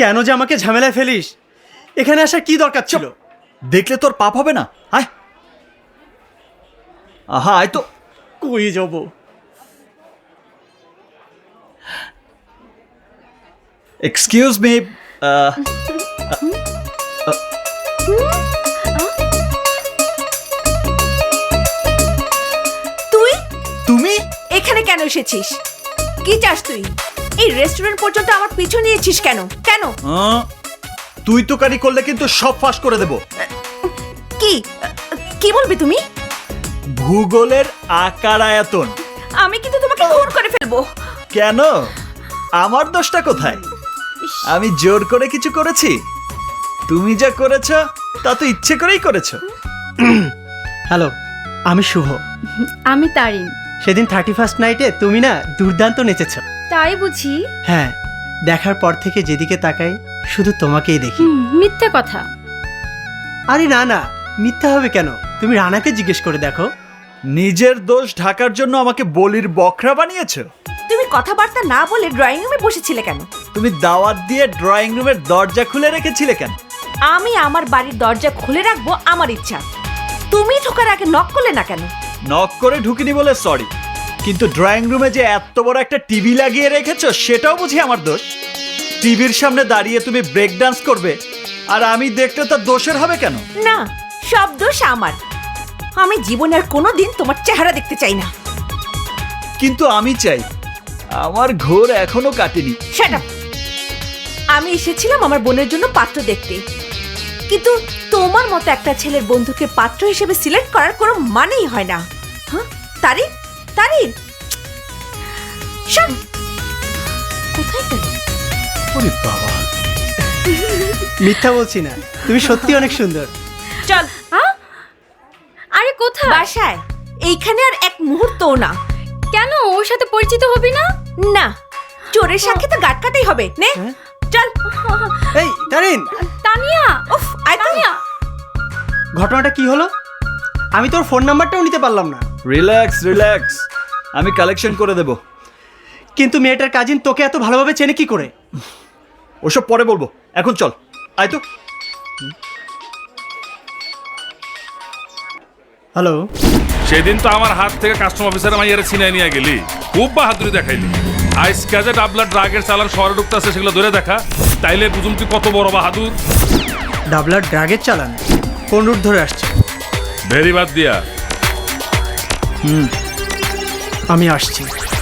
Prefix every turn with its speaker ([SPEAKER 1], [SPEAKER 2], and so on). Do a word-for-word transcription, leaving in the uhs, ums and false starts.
[SPEAKER 1] কেন যে আমাকে ঝামেলায় ফেলিস? এখানে আসার কি দরকার ছিল?
[SPEAKER 2] দেখলে তোর পাপ হবে না? আয় আহা আয় তো।
[SPEAKER 1] কই যাব?
[SPEAKER 2] এক্সকিউজ মি,
[SPEAKER 3] তুই
[SPEAKER 2] তুমি
[SPEAKER 3] এখানে কেন এসেছিস? কি চাস তুই? এই রেস্টুরেন্ট পর্যন্ত আমার পিছু নিয়েছিস কেন? কেন?
[SPEAKER 2] আহ, তুই তো কারি করলে কিন্তু সব ফাঁস করে দেব।
[SPEAKER 3] কি কি বলবি তুমি?
[SPEAKER 2] ভূগোলের আকার আয়তন।
[SPEAKER 3] আমি কিন্তু তোমাকে খুন করে ফেলবো।
[SPEAKER 2] কেন? আমার দোষটা কোথায়? আমি জোর করে কিছু করেছি? তুমি যা করেছ তা তো ইচ্ছে করেই করেছো।
[SPEAKER 1] হ্যালো, আমি শুভ।
[SPEAKER 4] আমি তারিন।
[SPEAKER 1] সেদিন থার্টি ফার্স্ট নাইটে তুমি না দুর্দান্ত নেচেছ।
[SPEAKER 4] তাই বুঝি?
[SPEAKER 1] হ্যাঁ, দেখার পর থেকে যেদিকে তাকাই শুধু তোমাকেই দেখি।
[SPEAKER 4] হুম, মিথ্যে কথা।
[SPEAKER 1] আরে না না, মিথ্যা হবে কেন? তুমি রানাকে জিজ্ঞেস করে দেখো।
[SPEAKER 2] নিজের দোষ ঢাকার জন্য আমাকে বলির বকরা বানিয়েছো।
[SPEAKER 3] তুমি কথাবার্তা না বলে ড্রয়িং রুমে বসেছিলে কেন?
[SPEAKER 2] তুমি দাওয়াত দিয়ে ড্রয়িং রুমের দরজা খুলে রেখেছিলে কেন?
[SPEAKER 3] আমি আমার বাড়ির দরজা খুলে রাখবো আমার ইচ্ছা। তুমি ঢোকার আগে নক করলে না কেন?
[SPEAKER 2] নক করে ঢুকিনি বলে সরি, কিন্তু ড্রয়িং রুমে যে এত বড় একটা টিভি লাগিয়ে রেখেছো সেটাও বুঝি আমার দোষ। টিভির সামনে দাঁড়িয়ে তুমি ব্রেক ডান্স করবে আর আমি দেখলে তার দোষের হবে কেন?
[SPEAKER 3] না, সব দোষ আমার। আমি জীবনে আর কোনোদিন তোমার চেহারা দেখতে চাই না।
[SPEAKER 2] কিন্তু আমি চাই, আমার ঘোর এখনো কাটেনি।
[SPEAKER 3] Shut up. আমি এসেছিলাম আমার বোনের জন্য পাত্র দেখতে, কিন্তু তোমার মতো একটা ছেলের বন্ধুকে পাত্র হিসেবে সিলেক্ট করার কোনো মানেই হয় না। হ্যাঁ তারিন, তারিন শোন, কোথায় গেল?
[SPEAKER 2] ওরে বাবা,
[SPEAKER 1] মিথ্যা বলছি না, তুমি সত্যি অনেক সুন্দর।
[SPEAKER 3] চল
[SPEAKER 4] হ্যাঁ? আরে কোথায়?
[SPEAKER 3] বাসায়। এইখানে আর এক মুহূর্তও না।
[SPEAKER 4] কেন ওর সাথে পরিচিত হবি না?
[SPEAKER 3] না, চোরের সাথে তো গাট কাটাই হবে। নে
[SPEAKER 1] হ্যাঁ?
[SPEAKER 3] চল।
[SPEAKER 1] এই তারিন,
[SPEAKER 4] তানিয়া,
[SPEAKER 3] উফ, আয় তো।
[SPEAKER 4] তানিয়া।
[SPEAKER 1] ঘটনাটা কি হলো? আমি তোর ফোন নাম্বারটাও নিতে পারলাম না।
[SPEAKER 2] রিল্যাক্স রিল্যাক্স, আমি কালেকশন করে দেব।
[SPEAKER 1] কিন্তু মেয়েটার কাজিন তোকে এত ভালোভাবে চেনে কি করে?
[SPEAKER 2] ওসব পরে বলবো, এখন চল। আয় তো।
[SPEAKER 1] হ্যালো,
[SPEAKER 5] সেদিন তো আমার হাত থেকে কাস্টম অফিসার মাইয়ারে ছিনাই নিয়ে গেলি, খুব বাহাদুরি দেখাইলি। আজকে যে ডাবলার ড্রাগের চালান শহরে ঢুকতেছে সেগুলো ধরে দেখা, তাইলে বুঝুম তুই কত বড় বাহাদুর।
[SPEAKER 1] ডাবলার ড্রাগের চালান কোন রুট ধরে আসছে?
[SPEAKER 5] ভেরি বাদ দিয়া।
[SPEAKER 1] হুম, আমি আসছি।